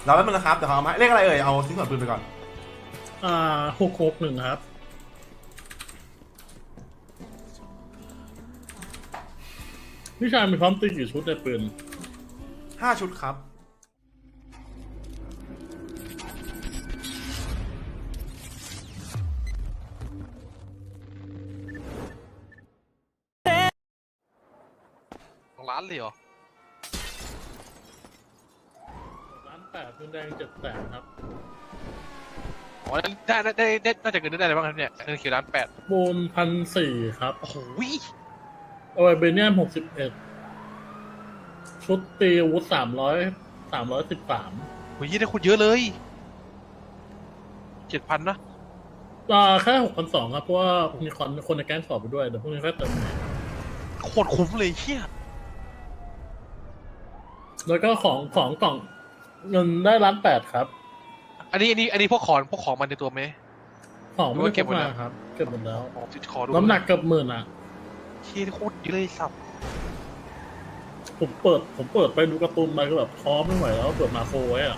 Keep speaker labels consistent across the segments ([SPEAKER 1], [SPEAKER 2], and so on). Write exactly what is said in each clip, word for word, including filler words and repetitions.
[SPEAKER 1] เราแล้วมันนะครับเดี๋ยวเขาเอามาเลขอะไรเอ่ยเอาชิ้นส่วนปืนไปก่อน
[SPEAKER 2] อ่าหกหกหนึ่งครับพี่ชายมีพร้อมตีกี่ชุดในปืน
[SPEAKER 1] ห้าชุดครับ
[SPEAKER 3] ร้านเลยเหรอ
[SPEAKER 2] ร้านแปดปืนแดงเจ็ดแสนครับ
[SPEAKER 3] อ๋อได้ได้ได้ได้น่าจะเงินได้อะไรบ้างครับเนี่ยเงินคิวร้านแปด
[SPEAKER 2] บูมพันสี่ครับ
[SPEAKER 3] โอ้โห
[SPEAKER 2] เอาไว้เบเนียมหกสิบเอ็ดชุดตีอาวุธสามร้อยสามร้อยสิบสาม
[SPEAKER 3] โอ้ยได้คุณเยอะเลยเจ็ดพันนะ
[SPEAKER 2] อ่าแค่หกพันสองครับเพราะว่ามีคนคนในแก๊งสอบไปด้วยเดี๋ยวพรุ่งนี้ค่อยเติมใหม่
[SPEAKER 3] โคตรคุ้มเลยเฮีย
[SPEAKER 2] แล้วก็ของของกล่องเงินได้ล้านแปดครับ
[SPEAKER 3] อันนี้อันนี้อันนี้พวกของพวกของมันในตัวไหม
[SPEAKER 2] ของไม่ได้
[SPEAKER 3] เก็บหมด
[SPEAKER 2] มา
[SPEAKER 3] แล้ว
[SPEAKER 2] ครับเก็บหมดแล้ว
[SPEAKER 3] จุดขอดู
[SPEAKER 2] น้ำหนักเกือบหมื่นอ่ะ
[SPEAKER 3] เฮียโคตรเยอะเลยสับ
[SPEAKER 2] ผมเปิดผมเปิดไปดูการ์ตูนไปก็แบบท้อไม่ไหวแล้วเปิดมาโครไว้อ่ะ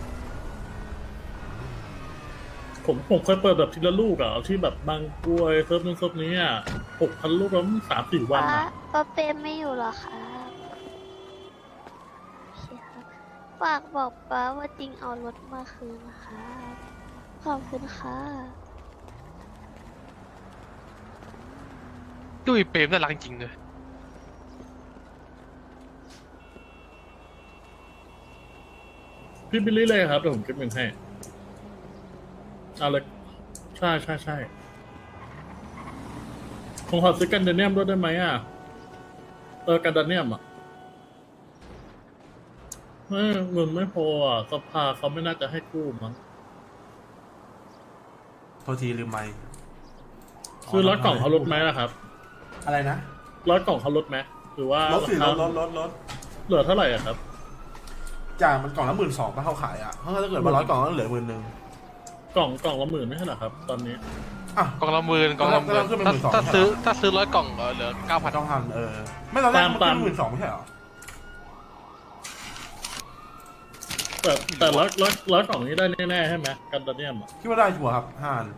[SPEAKER 2] ผมผมเคยเปิดแบบทีละลูกอ่ะที่แบบบางกล้วยเซิร์ฟนู้นเซิร์ฟนี้อ่ะหกพันลูกแล้วสามสี่วันอ่ะ
[SPEAKER 4] ป้าเปมไม่อยู่หรอคะฝากบอกป้าว่าจริงเอารถมาคืนนะคะขอบคุณค่ะ
[SPEAKER 3] ดูอีเปรมน่ารักจริงเลย
[SPEAKER 2] พี่บิลลี่เลยครับเดี๋ยวผมเก็บเงินให้เอาเลยใช่ใช่ใช่ผมขอซื้อกันเดเนียมด้วยได้ไหมอ่ะเออกันเดเนียมอ่ะไม่เงินไม่พออ่ะสภาเขาไม่น่าจะให้กู้มั้ง
[SPEAKER 1] โทษทีลืมไมค์
[SPEAKER 2] ซื้อร้อยกล่องเขาลดไหมล่ะครับ
[SPEAKER 1] อะไรนะ
[SPEAKER 2] ร้อยกล่องเขาลดไหมหรือว่า
[SPEAKER 1] ลดสิลดลดลดลด
[SPEAKER 2] เหลือเท่าไหร่อ่ะครับ
[SPEAKER 1] จากมันกล่องละหมื่นสองถ้าเขาขายอ่ะเพราะถ้าเกิดมาร้อยกล่องก็เหลือหมื่นหนึ่ง
[SPEAKER 2] กล่องกล่องละหมื่นไม่ใช่เหรอครับตอนนี้
[SPEAKER 1] อ่ะ
[SPEAKER 3] กล่องละหมื่นกล่องละหมื่นถ้าซื้อถ้าซื้อร้อยกล่องเหลือเก้าพัน
[SPEAKER 1] ต้องพันเออไม่ตอนแรกมันเป็นหมื่นสองไม่ใช่เหรอ
[SPEAKER 2] แต่แต่ร้อยร้อยร้อยกล่องนี้ได้แน่ๆใช่ไหมกันเดเนียมอ่ะ
[SPEAKER 1] คิดว่าได้ชัวร์ครับห้าอัน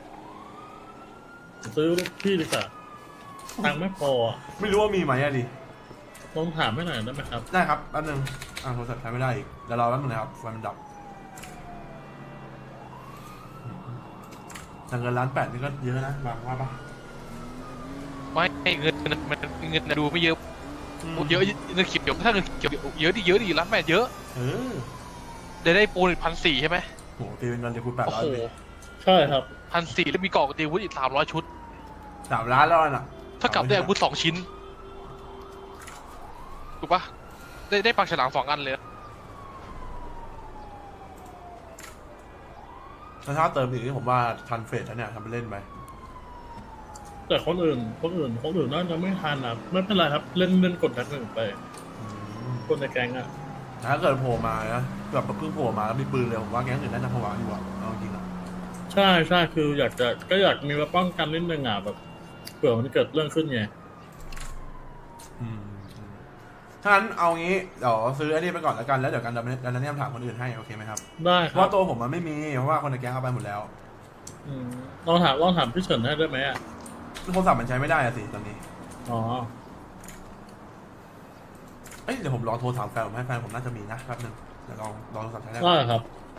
[SPEAKER 2] ซื้อพี่ดีกว่าตังค์ไม่พออ่ะ
[SPEAKER 1] ไม่รู้ว่ามีไหมอะดิ
[SPEAKER 2] ลองถามให้หน่อยได้ไหมครับ
[SPEAKER 1] ได้ครับแป๊บนึงอ่าโทรศัพท์ใช้ไม่ได้อีกเดี๋ยวรอแป๊บนึงนะครับไฟมันดับแต่เงินล้านแปดนี่ก็เยอะนะบางว่าปะ
[SPEAKER 3] ไม่เงินมันเงินดูไม่เยอะเยอะเงินเขียวถ้าเงินเขียวเยอะดิเยอะดิร้านแปดเยอะ
[SPEAKER 1] เออ
[SPEAKER 3] ได้ได้ปูนอีกพันสี่ใช่ไหม
[SPEAKER 1] โหตีเป็นเงินเดือนคูณแปดร้อยเลย
[SPEAKER 2] ใช่ครับ
[SPEAKER 3] พันสี่แล้วมีกล่องตีวุ้อีกสามร้อยชุด
[SPEAKER 1] สามล้านแล้วน่ะ
[SPEAKER 3] ถ้ากับได้อาวุธสองชิ้นถูกปะได้ได้ปากฉลามสองอันเลย
[SPEAKER 1] ถ้าเติมอีกนี่ผมว่าทันเฟสแล้วเนี่ยทำไปเล่นไป
[SPEAKER 2] แต่คนอื่นคนอื่นคนอื่นน่าจะไม่ทันนะไม่เป็นไรครับเล่นเล่นกดดันหนึ่งไปคนในแก๊งอ่ะ
[SPEAKER 1] ถ้าเกิดโผล่มานะแบบเพิ่งโผล่มาแล้วมีปืนเลยผมว่าแก๊งอื่นน่าจะผวาอยู่อ่ะเอาจริงอ่ะ
[SPEAKER 2] ใช่ใช่คืออยากจะก็อยากมีมาป้องกันนิดนึงอ่ะแบบเผื่อมันเกิดเรื่องขึ้นไง
[SPEAKER 1] ถ้างั้นเอางี้เดี๋ยวซื้อไอ้นี่ไปก่อนแล้วกันแล้วเดี๋ยวกันดันดันนี่ถามคนอื่นให้โอเคไหมครับ
[SPEAKER 2] ได้ครับ
[SPEAKER 1] เพราะตัวผมมันไม่มีเพราะว่าคนในแก๊งเอาไปหมดแล้ว
[SPEAKER 2] ลองถามลองถามพี่เฉินให้ได้ไหมอ่ะ
[SPEAKER 1] โทรศัพท์มันใช้ไม่ได้อะสิตอนนี้
[SPEAKER 2] อ๋อ
[SPEAKER 1] เอ้ยเดี๋ยวผมลองโทรถามแฟนผมให้แฟนผมน่าจะมีนะแป๊บนึงเดี๋ยวลองลองโทรศัพท์ใช้ได้
[SPEAKER 2] ได้ครับ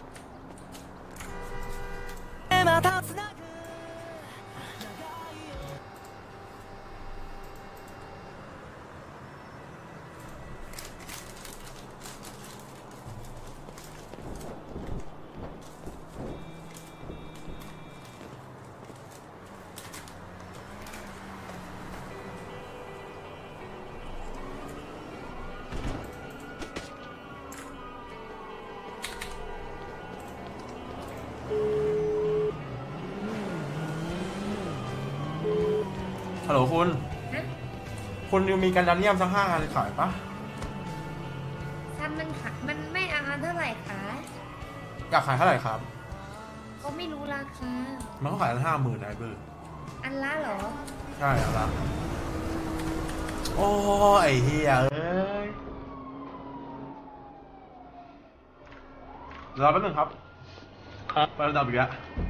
[SPEAKER 1] ฮัลโหลคุณคุณมีการดันเนียมสักห้าอันขายปะ
[SPEAKER 5] ซันมันขายมันไม่อาเท่าไหร่คะ
[SPEAKER 1] อยากขายเท่าไหร่ครับ
[SPEAKER 5] ก็ไม่รู้ราคา
[SPEAKER 1] มันเขาขายกันห้าหมื่นไอ้เบอร์
[SPEAKER 5] อันละเหรอ
[SPEAKER 1] ใช่เอาละโอ้ไอ้เฮียเอ้ยรอแป๊บนึงครับ
[SPEAKER 2] ครับ
[SPEAKER 1] ไประดับอีกแล้ว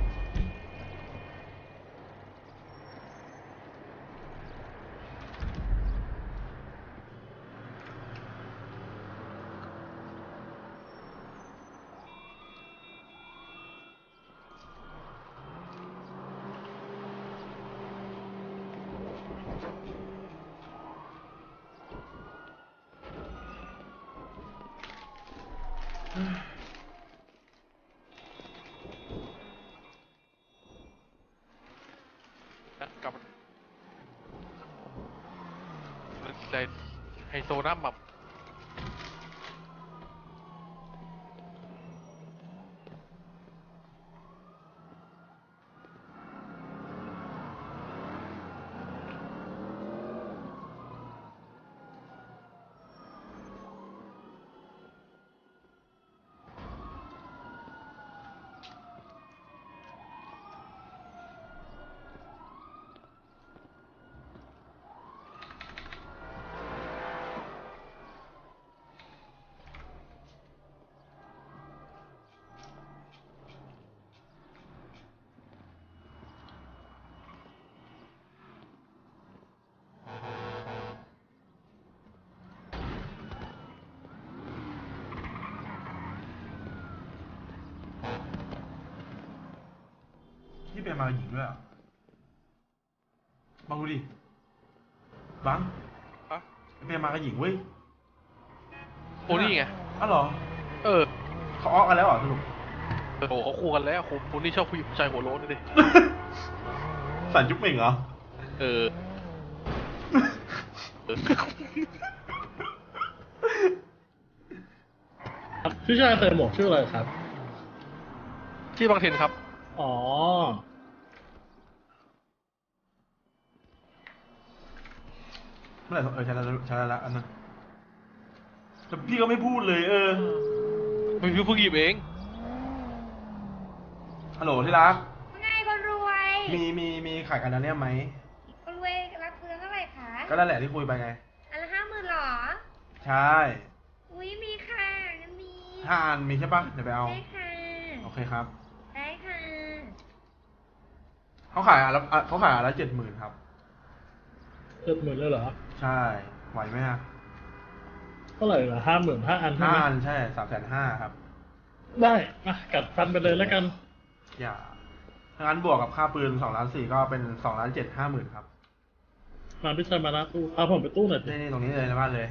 [SPEAKER 3] กลับเลยไฮโซน้ำแบบ
[SPEAKER 1] ที่เป็นมาหญิงด้วยอ่ะบังดูดิบัง
[SPEAKER 3] อะ
[SPEAKER 1] เป็นมากับหญิงเว้ย
[SPEAKER 3] โอ้นี่ไง
[SPEAKER 1] อ้าวเหรอ
[SPEAKER 3] เออ
[SPEAKER 1] เขาอ้อกันแล้วเหรอสรุป
[SPEAKER 3] โอ้โหเขาคู่กันแล้วคนคนที่ชอบผู้หญิงผู้ชายหัวโล้นนี่ดิ
[SPEAKER 1] สันยุคเหม่งเหรอ
[SPEAKER 3] เออเออ
[SPEAKER 2] ครับพี่ชายใส่หมวกชื่ออะไรครับ
[SPEAKER 3] ที่บางเทนครับ
[SPEAKER 2] อ๋อ
[SPEAKER 1] เมื่อไหร่เออใช้แล้วใช้แล้วละอันนั้นแต่พี่ก็ไม่พูดเลยเออ
[SPEAKER 3] ไม่รู้เพิ่งหยิบเอง
[SPEAKER 1] ฮัลโหลที่รัก
[SPEAKER 5] ไงคนรวย
[SPEAKER 1] มีมีมีขายกันนะเนี่ยไหม
[SPEAKER 5] คนรวยรับเพื่อนเท่าไหร่คะ
[SPEAKER 1] ก็นั่นแหละที่คุยไปไง
[SPEAKER 5] อันละห้าหมื่นหรอ
[SPEAKER 1] ใช่
[SPEAKER 5] อุ้ยมีค่ะงั้นมี
[SPEAKER 1] ห้าอันมีใช่ปะเดี๋ยวไปเอา
[SPEAKER 5] ได้ค่ะ
[SPEAKER 1] โอเคครับ
[SPEAKER 5] ได้ค่ะ
[SPEAKER 1] เขาขายอันละอ่ะเขาขายอันละเจ็ดหมื่นครับ
[SPEAKER 2] เจ็ดหมื่นเลยเหรอ
[SPEAKER 1] ใช่ ไหวไหมฮะ
[SPEAKER 2] เท่าไหร่เหรอห้าหมื่นห้าอันใช่
[SPEAKER 1] ห้า
[SPEAKER 2] ไหม
[SPEAKER 1] อันใช่สามแสนห้าครับ
[SPEAKER 2] ได้อ่ะกัดฟันไปเลยแล้วกัน
[SPEAKER 1] อย่าถ้างั้นบวกกับค่าปืนสองล้านสี่ก็เป็นสองล้านเจ็ดห้าหมื่นครับ
[SPEAKER 2] มาพี่ชายมาหน้าตู้เอาผมไปตู้หน่อยสิ
[SPEAKER 1] นี่นี่ตรงนี้เลยในบ้านเลย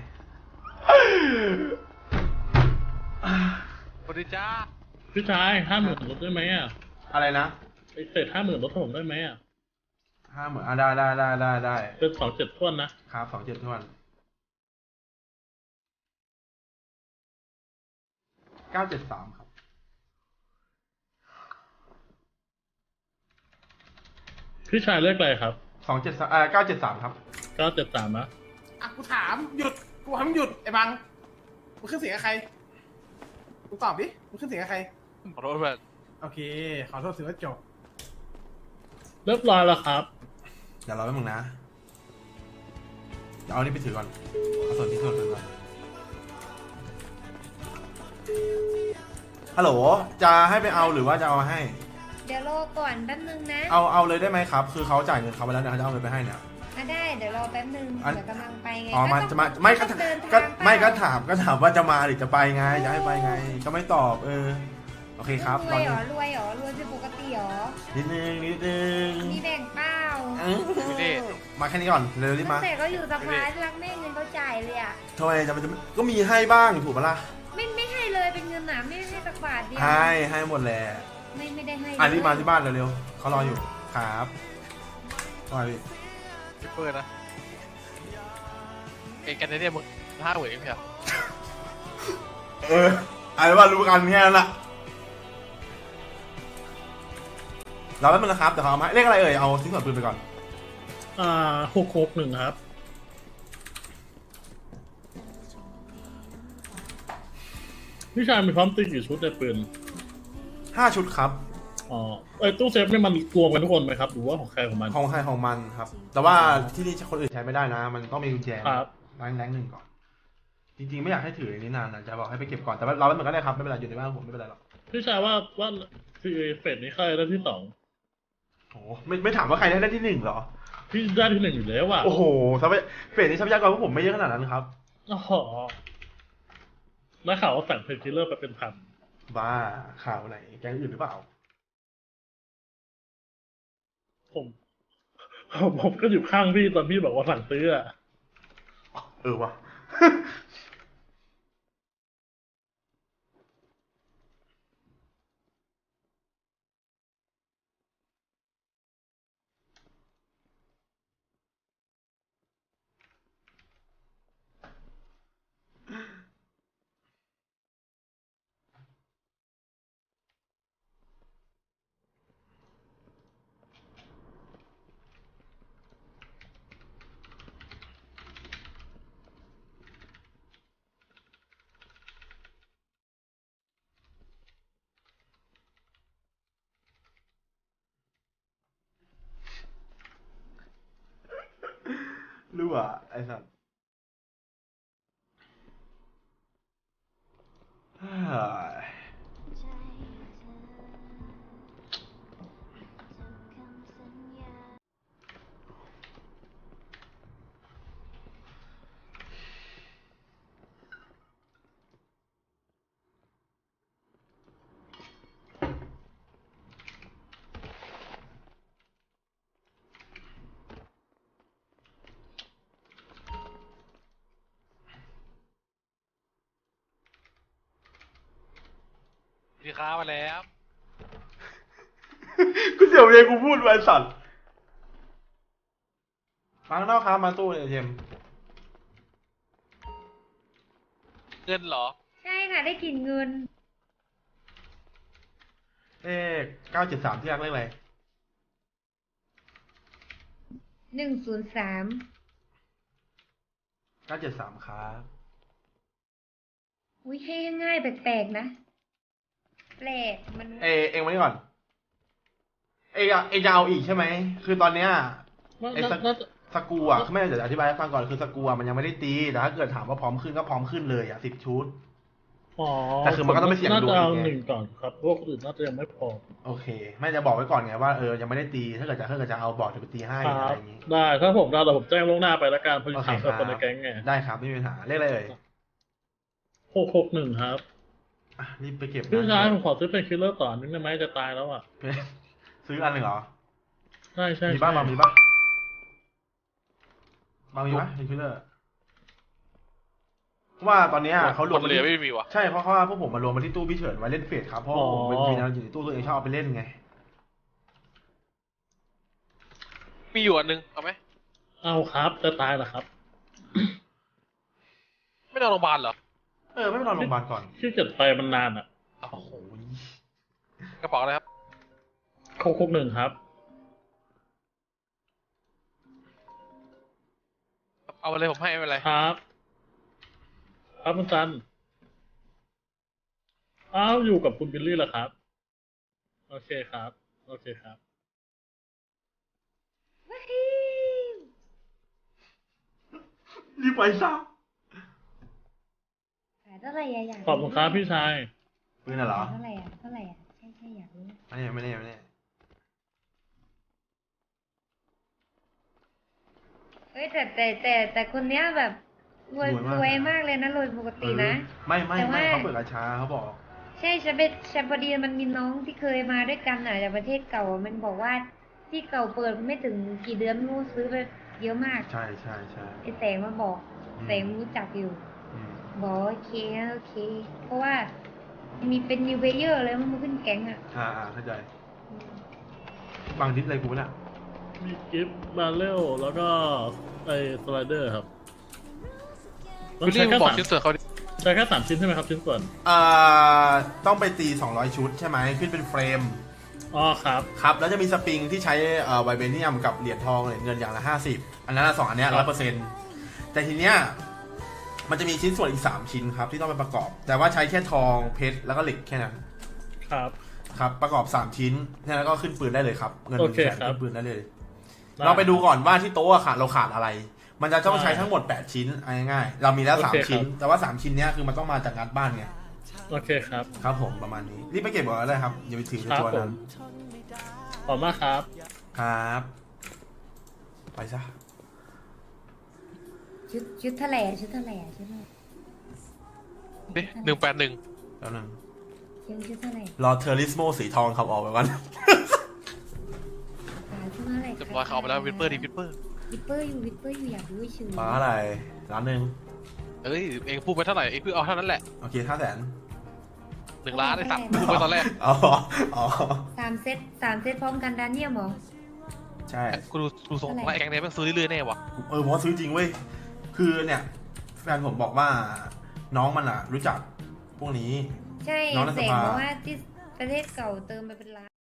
[SPEAKER 3] สวัสดีจ้า
[SPEAKER 2] พี่ชายห้าหมื่นลดได้ไหมอ่ะ
[SPEAKER 1] อะไรนะ
[SPEAKER 2] ไอเศษห้าหมื่นลดให้ผมได้ไหมอ่ะ
[SPEAKER 1] ห้าหมื่นอ่ะได้ได้ได้ได้ได้
[SPEAKER 2] เป็นสองเจ็ดท้วนนะครับ
[SPEAKER 1] สองเจ็ดทวนเก้าเจ็ดสามครับ
[SPEAKER 2] พี่ชายเลือกอะไรครับ
[SPEAKER 1] สองเจ็ดสามเอ่อเก้าเจ็ดสามครับ
[SPEAKER 2] เก้าเจ็ดสามนะ
[SPEAKER 6] อ่ะกูถามหยุดกูทำหยุดไอ้บังมึงขึ้นเสียงกับใครมึงตอบดิมึงขึ้นเสียงกับใคร
[SPEAKER 3] ขอโทษเพื่อน
[SPEAKER 6] โอเค ขอโทษสื่อว่าจบ
[SPEAKER 2] เรียบร้อยแล้วครับ
[SPEAKER 1] เดี๋ยวรอแป๊บนึงนะเดี๋ยวเอานี่ไปถือก่อน เอาส่วนที่ส่วนถือก่อน ฮัลโหล จะให้ไปเอาหรือว่าจะเอามาให้
[SPEAKER 5] เดี๋ยวรอก่อนแป๊บนึงนะ
[SPEAKER 1] เอาเอาเลยได้ไหมครับ คือเขาจ่ายเงินเขาไปแล้วเดี๋ยวเขาจะเอาเงินไปให้เนี่ย
[SPEAKER 5] อ่ะได้เดี๋ยวรอแป๊บนึง
[SPEAKER 1] อัน
[SPEAKER 5] เดี๋ยวกำลังไปไง
[SPEAKER 1] อ๋อมา
[SPEAKER 5] ก็
[SPEAKER 1] จะ
[SPEAKER 5] ต้อง
[SPEAKER 1] มาไม่ก็
[SPEAKER 5] ต้องเดินทาง
[SPEAKER 1] ก็ไม่ก็
[SPEAKER 5] เปล่
[SPEAKER 1] ถามก็ถามว่าจะมาหรือจะไปไง จะให้ไปไง ก็ไม่ตอบ เออ โอเคครับ
[SPEAKER 5] ร
[SPEAKER 1] ตอ
[SPEAKER 5] วน ยเหร
[SPEAKER 1] นี้
[SPEAKER 5] อรวยเหรอรวยเป็นปกติเหรอ
[SPEAKER 1] นิดนึงนิดนึง
[SPEAKER 5] มีแบ่งเปล่า
[SPEAKER 3] ไม่ได้
[SPEAKER 1] มาแค่นี้ก่อน เร็วรีบ
[SPEAKER 5] ตั้
[SPEAKER 1] มาง
[SPEAKER 5] แต่เขาอยู่สภารักแม่เงินเขาจ่ายเลยอ่ะ
[SPEAKER 1] ทำไมจะมันจะก็มีให้บ้างถูกปะล่ะ
[SPEAKER 5] ไม่ไม่ให้เลยเป็นเงินหนาไม่ให้สักบาทเดียว
[SPEAKER 1] ให้ให้หมดแหละ
[SPEAKER 5] ไม่ไม่ได้ให้
[SPEAKER 1] อ่ะ
[SPEAKER 5] เลย
[SPEAKER 1] รีบมาที่บ้านเร็วๆเขารออยู่ ครับว่าพี่
[SPEAKER 3] คิปเปอร์นะเอกกันเนี่ยมึงห้าเหวยไม่ใช่เหรอ
[SPEAKER 1] เอออะไรว่ารู้กันแค่นั้นแหละเราแป๊บนึงนะครับเดี๋ยวเขาเอามาให้เลขอะไรเอ่ย เอาชิ้นส่วนปืนไปก่อน
[SPEAKER 2] อ่าหกหกหนึ่งครับ พี่ชายมีพร้อมตีกี่ชุดในปืน
[SPEAKER 1] ห้าชุดครับ
[SPEAKER 2] อ๋อไอยตู้เซฟนี่มันรวมกันทุกคนไหมครับหรือว่าของใครของมัน
[SPEAKER 1] ของใครของมันครับ แต่ว่าที่นี่คนอื่นใช้ไม่ได้นะ มันต้องมีกุญแจ
[SPEAKER 2] ครับ
[SPEAKER 1] แรงแรงหนึ่งก่อน จริงๆไม่อยากให้ถืออย่างนี้นานนะจะบอกให้ไปเก็บก่อน แต่ว่าเราแป๊บนึงก็ได้ครับ ไม่เป็นไรอยู่ในบ้านผมไม่เป็นไรหรอก
[SPEAKER 2] พี่ชายว่าว่าซีเฟสนี้ใครได้ที่สอง
[SPEAKER 1] โอ้โหไม่ไม่ถามว่าใครได้ได้ที่หนึ่งเหรอ
[SPEAKER 2] พี่ได้ที่หนึ่งอยู่แล้วว่ะ
[SPEAKER 1] โอ้โหทรัพยเฟสนี้ทรัพยากรพวกผมไม่เยอะขนาดนั้นครับ
[SPEAKER 2] อ๋อแล้วข่าวว่าสั่งเพนคิลเลอร์ไปเป็นพัน
[SPEAKER 1] บ้าข่าวไหนแก๊งอื่นหรือเปล่า
[SPEAKER 2] ผมผมผมก็อยู่ข้างพี่ตอนพี่บอกว่าสั่งซื้ออะ
[SPEAKER 1] เออว่ะ รู้อ่ะไอ้สัสเฮ้ย
[SPEAKER 4] ใจเธอจำคำสัญญา
[SPEAKER 3] พี่ค้ามาแล้ว
[SPEAKER 1] กูเสียวเลยกูพูดไว้สัตว์ฟังนอกครับมาตู้เนี่ยเจม
[SPEAKER 3] เงินเหรอ
[SPEAKER 5] ใช่ค่ะได้กลิ่นเงิน
[SPEAKER 1] เลขเก้าเจ็ดสามที่รักเลขอะไร
[SPEAKER 5] หนึ่งศูนย์สาม
[SPEAKER 1] เก้าเจ็ดสามครับ
[SPEAKER 5] อุ้ยให้ง่ายๆแปลกๆนะ แปลกมัน
[SPEAKER 1] เอเองมานี่ก่อน เองอะเองจะเอาอีกใช่ไหม คือตอนเนี้ย
[SPEAKER 2] น่า
[SPEAKER 1] ไอ้สัก
[SPEAKER 2] น่าจะ
[SPEAKER 1] สกรูอ่ะไม่เดี๋ยวอธิบายให้ฟังก่อนคือสกรูอ่ะมันยังไม่ได้ตีแต่ถ้าเกิดถามว่าพร้อมขึ้นก็พร้อมขึ้นเลยอ่ะสิบชุด
[SPEAKER 2] อ๋อ
[SPEAKER 1] แต่คือมันก็ต้องไปเสี่ยง
[SPEAKER 2] น่า
[SPEAKER 1] ดวง
[SPEAKER 2] จะเอา
[SPEAKER 1] อีกไง
[SPEAKER 2] หนึ่งก่อนครับพวกอื่นน่าจะยังไม่พอ
[SPEAKER 1] โอเค ไม่จะบอกไว้ก่อนไงว่าเออยังไม่ได้ตีถ้าเกิดจะถ้าเกิดจะเอาบอกจะไปตีให้
[SPEAKER 2] ค
[SPEAKER 1] อะ
[SPEAKER 2] รั
[SPEAKER 1] ไร
[SPEAKER 2] บ
[SPEAKER 1] อย่างงี้
[SPEAKER 2] ได้ถ้าผมได้แต่ผมแจ้งล่วงหน้าไปแล้วกันเพราะอยู่
[SPEAKER 1] โอเค
[SPEAKER 2] ถาม
[SPEAKER 1] ครั
[SPEAKER 2] กับคนใน
[SPEAKER 1] บ
[SPEAKER 2] แก๊งไง
[SPEAKER 1] ได้ครับไม่มีปัญหาเลขอะไรเอ่ย
[SPEAKER 2] หกหกหนึ่งครับ
[SPEAKER 1] อ่ะรีบไปเก็บ
[SPEAKER 2] พี่ชาย
[SPEAKER 1] นะ
[SPEAKER 2] ผมขอซื้อเป็นคิลเลอร์ต่อนึงได้ไหมจะตายแล้วอ่ะ
[SPEAKER 1] ซื้ออันหนึ่งเหรอ
[SPEAKER 2] ใช่ใช่
[SPEAKER 1] มี
[SPEAKER 2] ใช่
[SPEAKER 1] บ้างบางมีบ้างบางมีปะเป็นคิลเลอร์เพราะว่าตอนเนี้ยเขารวม
[SPEAKER 3] คนเหลือไม่มีวะ
[SPEAKER 1] ใช่เพราะว่าพวกผมมารวมมาที่ตู้พี่เฉินไว้เล่นเฟสครับเพราะว่าผมเป็นมีแนวอยู่ในตู้ตัวเองชอบเอาไปเล่นไง
[SPEAKER 3] มีอยู่อันนึง เอาไหม
[SPEAKER 2] เอาครับจะตายเหรอครับ
[SPEAKER 3] ไม่นอนโรงพยาบาลเหรอ
[SPEAKER 1] เออไม่ไปนอนโรงพยาบาลก่อน
[SPEAKER 2] ที่เกิดไปมันนานอ่ะ
[SPEAKER 1] โอ้โห
[SPEAKER 3] กระเป๋าอะไรครับ
[SPEAKER 2] หกหกหนึ่งครับ
[SPEAKER 3] เอาไปเลยผมให้ไม่เป็นไร
[SPEAKER 2] ครับครับคุณจันอ้าวอยู่กับคุณบิลลี่เหรอครับ โอเคครับ โอเคครับ
[SPEAKER 1] รีบไปซะ
[SPEAKER 5] ขายเท่าไหร่อะอยาก
[SPEAKER 2] ขอบคุณครับพี่ชาย
[SPEAKER 1] ปืนน่ะเหรอ
[SPEAKER 5] ขายเท่าไหร่อะเท่าไหร่อะใช่ใช่อยากรู้
[SPEAKER 1] ไม่แน่ไม่แน่ไม่แน่
[SPEAKER 5] เฮ้ยแต่แต่แต่แต่คนเนี้ยแบบรวยรวยมากเลยนะรวยปกตินะ
[SPEAKER 1] เออไม่ไม่
[SPEAKER 5] แต่
[SPEAKER 1] ไม่
[SPEAKER 5] ว่า
[SPEAKER 1] เขาเปิดกระชาเขาบอก
[SPEAKER 5] ใช่ฉันเป็นฉันพอดีมันมีน้องที่เคยมาด้วยกันอ่ะจากประเทศเก่าอะมันบอกว่าที่เก่าเปิดไม่ถึงกี่เดือนไม่รู้ซื้อไปเยอะมาก
[SPEAKER 1] ใช่ใช่ใช่
[SPEAKER 5] ไอแสงมาบอก
[SPEAKER 1] อืม
[SPEAKER 5] แสงรู้จักอยู่
[SPEAKER 1] อืม
[SPEAKER 5] บอกโอเคโอเค เพราะว่ามีเป็นนิวเพเยอร์เลยมันมาขึ้นแก๊งอ่ะ
[SPEAKER 1] อ่าอ่าเข้าใจบางดิสอะไรกูน่ะ
[SPEAKER 2] มีกิฟต์บาเรลแล้วก็ไอสไลเดอร์ครับ
[SPEAKER 3] วิลลี่มึงบอกชิ้นส่วนเขาดิ
[SPEAKER 2] ใช้แค่สามชิ้นใช่ไหมครับชิ้นส่วน
[SPEAKER 1] อ่าต้องไปตีสองร้อยชุดใช่ไหมขึ้นเป็นเฟรม
[SPEAKER 2] อ๋อครับ
[SPEAKER 1] ครับแล้วจะมีสปริงที่ใช้เอ่อไวเบเนียมกับเหรียญทองเหรียญเงินอย่างละห้าสิบอันนั้นนะสองอันเนี้ยร้อยเปอร์เซ็นต์แต่ทีเนี้ยมันจะมีชิ้นส่วนอีกสามชิ้นครับที่ต้องไปประกอบ แต่ว่าใช้แค่ทองเพชรแล้วก็เหล็กแค่นั้น
[SPEAKER 2] ครับ
[SPEAKER 1] ครับประกอบสามชิ้นแค่นั้นก็ขึ้นปืนได้เลยครับเงินห
[SPEAKER 2] โอ
[SPEAKER 1] นึ่ง
[SPEAKER 2] เค
[SPEAKER 1] แสน
[SPEAKER 2] ครับ
[SPEAKER 1] ขึ้นปืนได้เลย เราไปดูก่อนว่าที่โต๊ะอะขาดเราขาดอะไร มันจะต้องใช้ทั้งหมดแปดชิ้นเอาง่ายๆเรามีแล้วสาม
[SPEAKER 2] โอเคครับ
[SPEAKER 1] ชิ้น แต่ว่าสามชิ้นเนี้ยคือมันต้องมาจากงานบ้านไง
[SPEAKER 2] โอเคครับ
[SPEAKER 1] ครับผมประมาณนี้รีบไปเก็บก่อนก็ได้ครับอย่าไปถือในตัวนั้น
[SPEAKER 2] ขอบมากครับ
[SPEAKER 1] ครับ ไปซะ
[SPEAKER 5] ชุดชุดเท่าไหร่อะชุดเท่าไหร่อะชุดเท่าไหร่
[SPEAKER 3] เด้หนึ่งแปดหนึ่ง
[SPEAKER 1] แล้วนึง
[SPEAKER 5] ชุดชุดเท่าไหร่
[SPEAKER 1] รอเทอริสโมสีทองขับออกไปก่อน
[SPEAKER 5] อ่าชุดเท่าไหร่
[SPEAKER 3] เรียบร้อยเขาเอาไปแล้ววิปเปอร์ดิวิปเปอร์
[SPEAKER 5] วิปเปอร์อยู่วิปเปอร์อยู่อยากรู้เฉย
[SPEAKER 1] ฟ้าอะไรร้านหนึ่ง
[SPEAKER 3] เอ้ยเองพูดไปเท่าไหร่เองพูดเอาเท่านั้นแหละ
[SPEAKER 1] โอเคห้าแสน
[SPEAKER 3] หนึ่งล้านไอ้สัตว์พูดไปตอนแรก
[SPEAKER 1] อ๋ออ๋อ
[SPEAKER 5] สามเซตสามเซตพร้อมกันดานเนียมเหรอ
[SPEAKER 1] ใช่
[SPEAKER 3] กูดูดูทรงว่าไอ้แกงเนี่ยแม่งซื้อเรื่อยๆแน่วะ
[SPEAKER 1] เออผมว่าซื้อจริงเว้ย คือเนี่ย แฟนผมบอกว่าน้องมันอ่ะ รู้จักพวกนี้
[SPEAKER 5] ใช่
[SPEAKER 1] น้องในส
[SPEAKER 5] เสก
[SPEAKER 1] ภา
[SPEAKER 5] บอกว่าที่ประเทศเก่าเติมไปเป็นล้าน